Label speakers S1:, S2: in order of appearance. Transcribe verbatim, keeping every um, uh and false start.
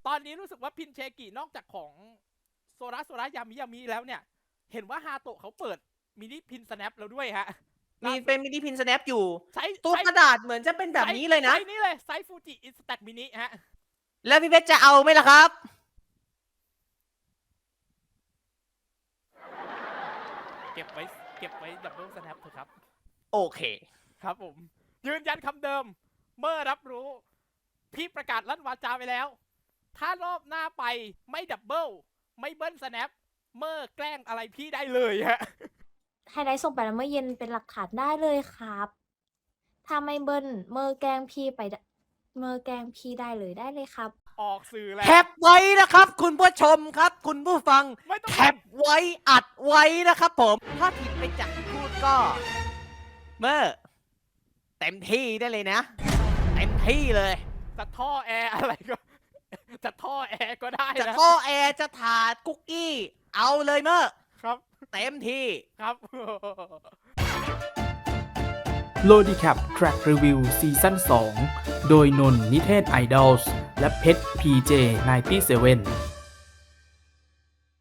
S1: ตอนนี้รู้สึกว่าพินเชกินอกจากของโซระโซระยามิยามิแล้วเนี่ยเห็นว่าฮาโตะเขาเปิดมินิพินสแนปแล้วด้วยฮะ
S2: มีเป็นมินิพินสแนปอยู่
S1: ใช้
S2: ตัวกระดาษเหมือนจะเป็นแบบนี้เลยนะ
S1: ไซส์นี้เลยไซส์ฟูจิอินสแต็กมินิฮะ
S2: แล้วพี่เพชรจะเอาไหมล่ะครับ
S1: เก็บไว้เก็บไว้ดับเบิลสแนปเถอะครับ
S2: โอเค
S1: ครับผมยืนยันคำเดิมเมื่อรับรู้พี่ประกาศลั่นวาจาไปแล้วถ้ารอบหน้าไปไม่ดับเบิลไม่เบิ้ลสแนปเมื่อแกล้งอะไรพี่ได้เลยฮะ
S3: ไฮไลท์ส่งไปแล้วเมื่อเย็นเป็นหลักฐานได้เลยครับถ้าไม่เบิ้ลเมื่อแกล้งพี่ไปเมื่อแกล้งพี่ได้เลยได้เลยครับ
S1: ออกสื่อแล้ว
S2: แคปไว้นะครับคุณผู้ชมครับ คุณผู้ฟังแคปไว้อัดไว้นะครับผมถ้าผิดไปจากที่พูดก็เมื่อเต็มที่ได้เลยนะเต็มที่เลย
S1: จะท่อแอร์อะไรก็จะท่อแอร์ก็ได้
S2: จะ
S1: นะ
S2: ท่อแอร์จะถาดคุกกี้เอาเลยเมื่อ
S1: ครับ
S2: เต็มที่
S1: ครับ
S4: โลดีแคป Track Review ซีซั่นสองโดยนนท์นิเทศไอดอลส์และเพชร พี เจ ไนน์ตี้เซเว่น